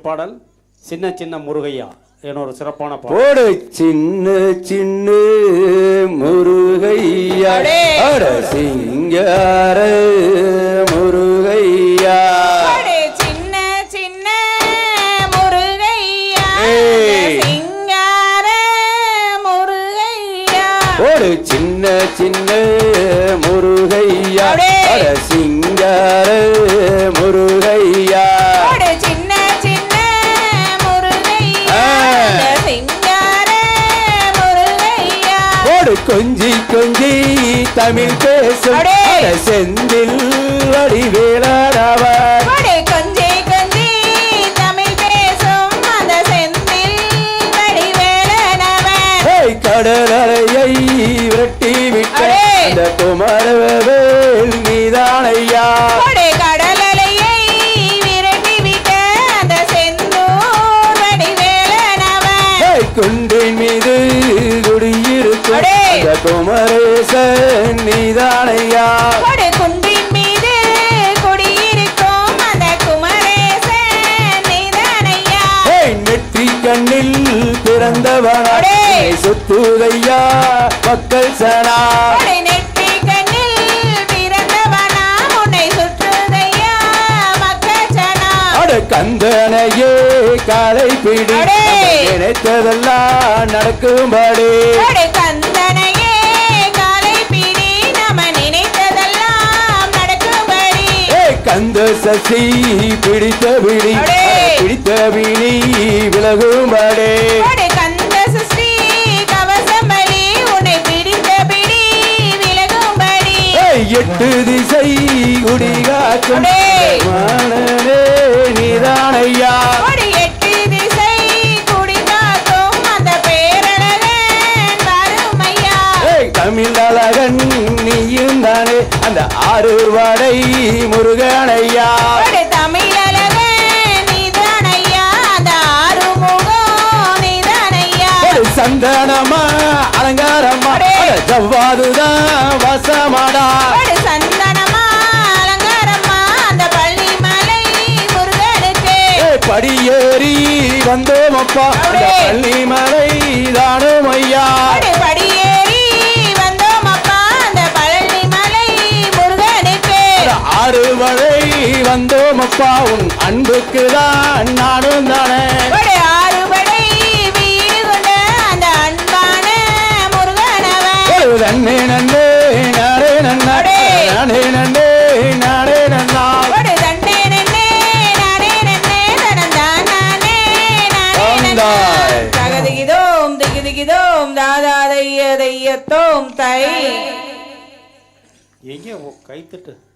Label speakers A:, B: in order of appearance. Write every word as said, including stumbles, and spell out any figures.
A: பாடல் சின்ன சின்ன முருகையா என ஒரு சிறப்பான பாடல்.
B: போடு சின்ன சின்ன முருகையா அட சிங்கார முருகையா
C: சின்ன சின்ன முருகையா சிங்கார முருகையா
B: போடு சின்ன சின்ன முருகையா அட சிங்கார முருகையா
C: சின்ன சின்ன முருகையா சிங்கார முருகையா
B: போடு கொஞ்சி கொஞ்சி தமிழ் பேசும் செந்தில் வடிவேலவர்
C: கொஞ்சி கொஞ்சி தமிழ் பேசும் அந்த செந்தில் வடிவேலவர்
B: கடலையை விரட்டி விட்ட அந்த குமரவேல் நீதானையா
C: கடலையை விரட்டி விட்ட அந்த செந்தூர் வடிவேலவர்
B: குன்றின் மீது குடியிருக்கும் அந்த குமரேசன் நீதானையா
C: குன்றின் மீது குடியிருக்கும் அந்த குமரேசன் நீதானையா
B: நெற்றி கண்ணில் பிறந்தவனே சுத்துதையா மக்கள் சனா
C: நெற்றி கண்ணில் பிறந்தவனா உன்னை சுற்றுதையா மக்கள் சனா
B: அட கந்தனையே காலை பிடி நினைத்ததெல்லாம் நடக்கும்படி
C: கந்தனையே காலை பிடி நம்ம நினைத்ததெல்லாம் நடக்கும்படி
B: கந்த சசி பிடித்த பிடி பிடித்த பிடி விலகும்படி
C: கந்த சசி கவசம்படி உன்னை பிடித்த பிடி விலகும்படி
B: எட்டு திசை குடிகாக்கும் மானனே நீதானையா
C: எட்டு திசை குடிகாக்கும் அந்த பேரழகன் வருமையா
B: தமிழ் அழகன் நீயும் தானே அந்த ஆறு வடை முருகனையா
C: தமிழழகன் நீதானையா அந்த ஆறுமுகம் நீதானையா
B: சந்தனமா அலங்காரமா ஜவ்வாதுதான் வசமாடா
C: சந்தனமா அலங்காரமா அந்த பள்ளிமலை முருகனுக்கு
B: படியேறி வந்தோமப்பா பள்ளிமலை தானும் ஐயா
C: படியேறி வந்தோம் அப்பா அந்த பழனிமலை முருகனுக்கு
B: ஆறு வழி வந்தோமப்பா உன் அன்புக்கு தான் நானும் தானே
C: ஆறுபடை வீடு கொண்ட அந்த அன்பான முருகனவன்
B: நன்னே நன்னே நானே நன்னாடே நானே நன்னே நானே நன்னா
C: தன்னே நன்னே நானே நன்னே தனந்தான் நானே நானே நன்னா தகதிகிதோம் திகிதிகிதோம் தாதா தைய தையத்தோம் தை
A: எங்கே கைத்தட்டு